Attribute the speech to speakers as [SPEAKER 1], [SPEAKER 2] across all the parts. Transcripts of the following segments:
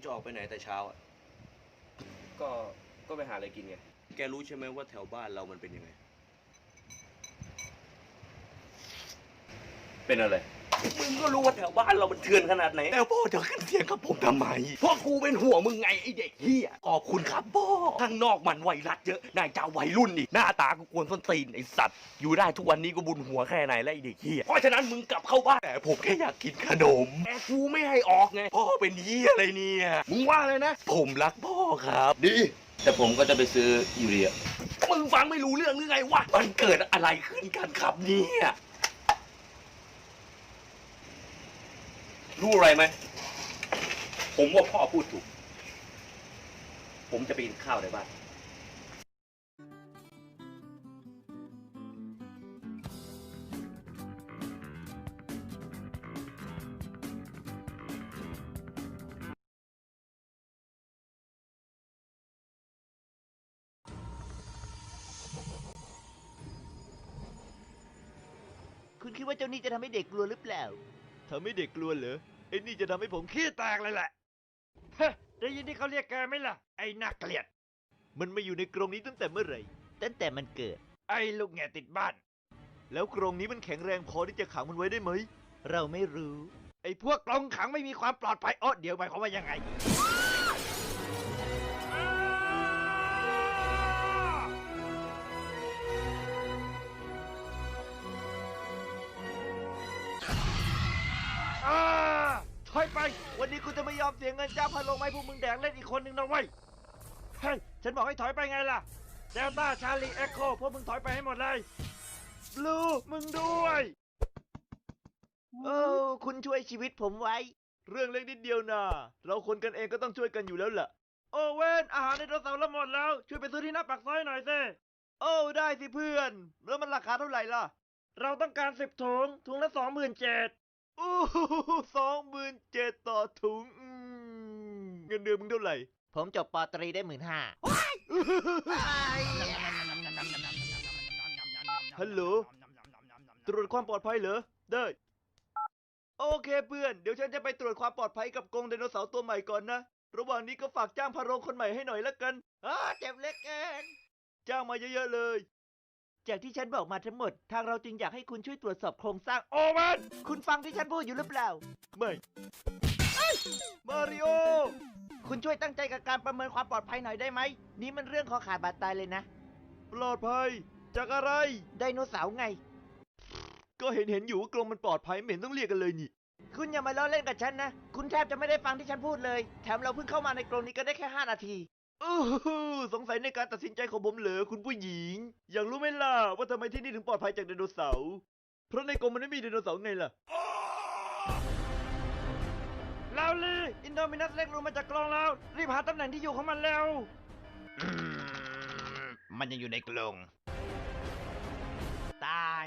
[SPEAKER 1] จะออกไปไหนแต่เช้าอ่ะ
[SPEAKER 2] ก็ก็ไปหาอะไรกินไง
[SPEAKER 1] แกรู้ใช่ไหมว่าแถวบ้านเรามันเป็นยังไง
[SPEAKER 2] เป็นอะไร
[SPEAKER 1] มึงก็รู้ว่าแถวบ้านเรามันเถื่อนขนาดไหนแต่พ่อจะขึ้นเสียงกับผมทำไมพ่อกูเป็นห่วงมึงไงไอเด็กเฮียขอบคุณครับพ่อข้างนอกมันไวรัสเยอะนายเจ้าวัยรุ่นอีกหน้าตากูกวนส้นตีนไอสัตว์อยู่ได้ทุกวันนี้ก็บุญหัวแค่ไหนแล้วไอเด็กเฮียเพราะฉะนั้นมึงกลับเข้าบ้านแต่ผมแค่อยากกินขนมแต่กูไม่ให้ออกไงพ่อเป็นเฮียอะไรเนี่ยมึงว่าเลยนะ ผมรักพ่อครับดี
[SPEAKER 2] แต่ผมก็จะไปซื้ออยู่ดีอะ
[SPEAKER 1] มึงฟังไม่รู้เรื่องหรือไงวะมันเกิดอะไรขึ้นกันครับเนี่ยรู้อะไรไหมผมว่าพ่อพูดถูกผมจะไปกินข้าวในบ้าน
[SPEAKER 3] คุณคิดว่าเจ้านี่จะทำให้เด็กกลัวหรือเปล่า
[SPEAKER 4] ทำให้เด็กกลัวเหรอไอ้นี่จะทำให้ผมขี้แตกเลยแหละเฮ้ได้ยินที่เขาเรียกแกไหมล่ะ ไอ้น่าเกลียด มันมาอยู่ในกรงนี้ตั้งแต่เมื่อไหร่
[SPEAKER 3] ตั้งแต่มันเกิด
[SPEAKER 4] ไอ้ลูกแง่ติดบ้าน แล้วกรงนี้มันแข็งแรงพอที่จะขังมันไว้ได้ไหม
[SPEAKER 3] เราไม่รู้
[SPEAKER 4] ไอ้พวกกรงขังไม่มีความปลอดภัยอ๋อเดี๋ยวหมายความว่ายังไง ถอยไป วันนี้กูจะไม่ยอมเสียเงินจ้างพันลงไม้พวกมึงแดกเล่นอีกคนหนึ่งนะเว้ย เฮ้ย ฉันบอกให้ถอยไปไงล่ะ เดลต้า ชาลี เอ็กโค พวกมึงถอยไปให้หมดเลย บลู มึงด้วย
[SPEAKER 3] โอ้คุณช่วยชีวิตผมไว้
[SPEAKER 4] เรื่องเล็กนิดเดียวนะเราคนกันเองก็ต้องช่วยกันอยู่แล้วล่ะ โอเว่นอาหารในโทรศัพท์เราหมดแล้ว ช่วยไปซื้อที่หน้าปากซอยหน่อยสิโอ้ได้สิเพื่อน แล้วมันราคาเท่าไหร่ล่ะ เราต้องการ10 ถุง ถุงละ27,000อู้27,000ต่อถุงเงินเดือนมึงเท่าไหร่
[SPEAKER 3] ผมจบปตรีได้15,000
[SPEAKER 4] ฮัลโหล ตรวจความปลอดภัยเหรอ ได้ โอเคเพื่อน เดี๋ยวฉันจะไปตรวจความปลอดภัยกับกรงไดโนเสาร์ตัวใหม่ก่อนนะ ระหว่างนี้ก็ฝากจ้างพาโรงคนใหม่ให้หน่อยละกันเจ็บเล็กเองจ้างมาเยอะๆเลย
[SPEAKER 3] จากที่ฉันบอกมาทั้งหมด ทางเราจึงอยากให้คุณช่วยตรวจสอบโครงสร้าง
[SPEAKER 4] โอเว่น
[SPEAKER 3] คุณฟังที่ฉันพูดอยู่หรือเปล่า
[SPEAKER 4] ไม่มาริโอ
[SPEAKER 3] คุณช่วยตั้งใจกับการประเมินความปลอดภัยหน่อยได้ไหม นี่มันเรื่องคอขาดบาดตายเลยนะ
[SPEAKER 4] ปลอดภัย จากอะไร
[SPEAKER 3] ไดโนเสาร์ไง
[SPEAKER 4] ก็เห็นอยู่ว่ากรงมันปลอดภัยไม่เห็นต้องเรียกกันเลยนี่
[SPEAKER 3] คุณอย่ามาล้อเล่นกับฉันนะ คุณแทบจะไม่ได้ฟังที่ฉันพูดเลย แถมเราเพิ่งเข้ามาในกรงนี้ก็ได้แค่5 นาที
[SPEAKER 4] สงสัยในการตัดสินใจของผมเหรอคุณผู้หญิง อยากรู้ไหมล่ะว่าทำไมที่นี่ถึงปลอดภัยจากไดโนเสาร์ เพราะในกรงมันไม่มีไดโนเสาร์ไงล่ะ ลาวลีอินโดมินัสเล็กลงมาจากกรงแล้ว รีบหาตำแหน่งที่อยู่ของมันแล้ว
[SPEAKER 3] มันยังอยู่ในกรง ตาย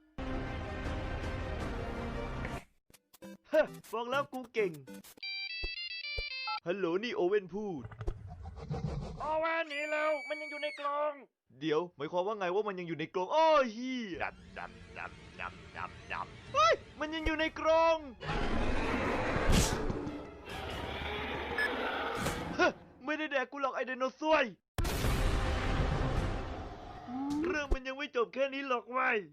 [SPEAKER 4] ฮะบอกแล้วกูเก่ง ฮัลโหลนี่โอเว่นพูด โอเว่นหนีแล้ว มันยังอยู่ในกรง เดี๋ยวหมายความว่าไงว่ามันยังอยู่ในกรงอ้อเฮียเฮ้ย มันยังอยู่ในกรงฮะไม่ได้แดกกูหรอกไอไดโนเสาร์เรื่องมันยังไม่จบแค่นี้หรอกเว้ย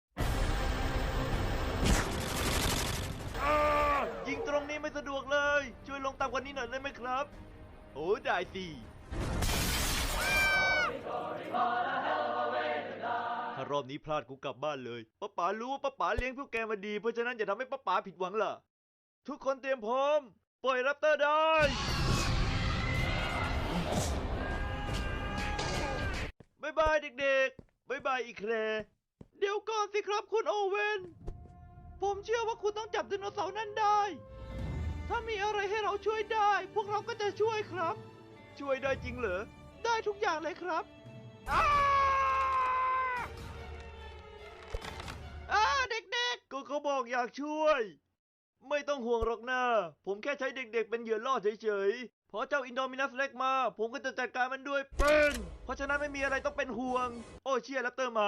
[SPEAKER 4] ยิงตรงนี้ไม่สะดวกเลย ช่วยลงต่ำกว่านี้หน่อยได้ไหมครับ โอ้ได้สิถ้ารอบนี้พลาดกูกลับบ้านเลยป้าป๋ารู้ว่าป้าป๋าเลี้ยงพวกแกมาดี เพราะฉะนั้นอย่าทำให้ป้าป๋าผิดหวังล่ะ ทุกคนเตรียมพร้อม ปล่อยแรปเตอร์ได้บ๊ายบายเด็กๆบ๊ายบายอีกแครเดี๋ยวก่อนสิครับคุณโอเว่น ผมเชื่อว่าคุณต้องจับไดโนเสาร์นั่นได้ ถ้ามีอะไรให้เราช่วยได้ พวกเราก็จะช่วยครับ ช่วยได้จริงเหรอ ได้ทุกอย่างเลยครับเด็กๆ ก็เขาบอกอยากช่วย ไม่ต้องห่วงหรอกนะผมแค่ใช้เด็กๆเป็นเหยื่อล่อเฉยๆ พอเจ้าอินโดมินัสเล็กมา ผมก็จะจัดการมันด้วยปืนเพราะฉะนั้นไม่มีอะไรต้องเป็นห่วง โอ้เชียร์แรปเตอร์มา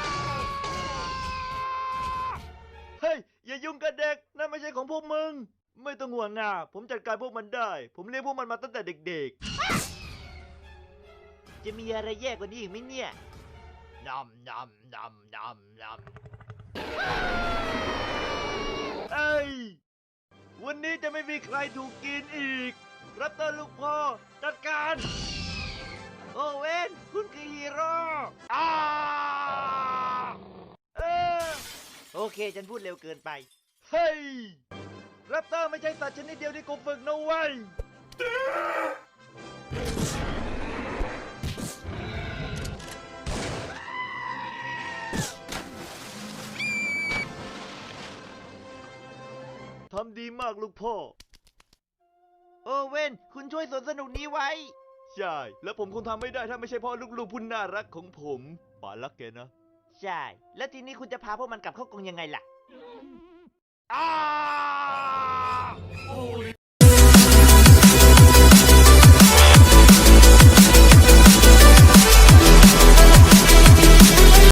[SPEAKER 4] เฮ้ย อย่ายุ่งกับเด็ก นั่นไม่ใช่ของพวกมึงไม่ต้องห่วงนะผมจัดการพวกมันได้ ผมเลี้ยงพวกมันมาตั้งแต่เด็ก
[SPEAKER 3] จะมีอะไรแย่กว่านี้อีกไหมเนี่ย
[SPEAKER 4] ๆนำนำนำนำนำเอ้ย วันนี้จะไม่มีใครถูกกินอีก รับเตอร์ลูกพ่อ จัดการ
[SPEAKER 3] โอเว่นคุณคือฮีโร่
[SPEAKER 4] อ้าเออ
[SPEAKER 3] โอเค ฉันพูดเร็วเกินไป
[SPEAKER 4] เฮ้ย รับเตอร์ไม่ใช่สัตว์ชนิดเดียวที่กูฝึกนะเว้ย ทำดีมากลูกพ่อ
[SPEAKER 3] โอเว่นคุณช่วยสวนสนุกนี้ไว้
[SPEAKER 4] ใช่ แล้วผมคงทำไม่ได้ถ้าไม่ใช่เพ่อลูกๆผู้น่ารักของผมป๋ารักแกนะ
[SPEAKER 3] ใช่ แล้วทีนี้คุณจะพาพวกมันกลับเข้ากรงยังไงล่ะ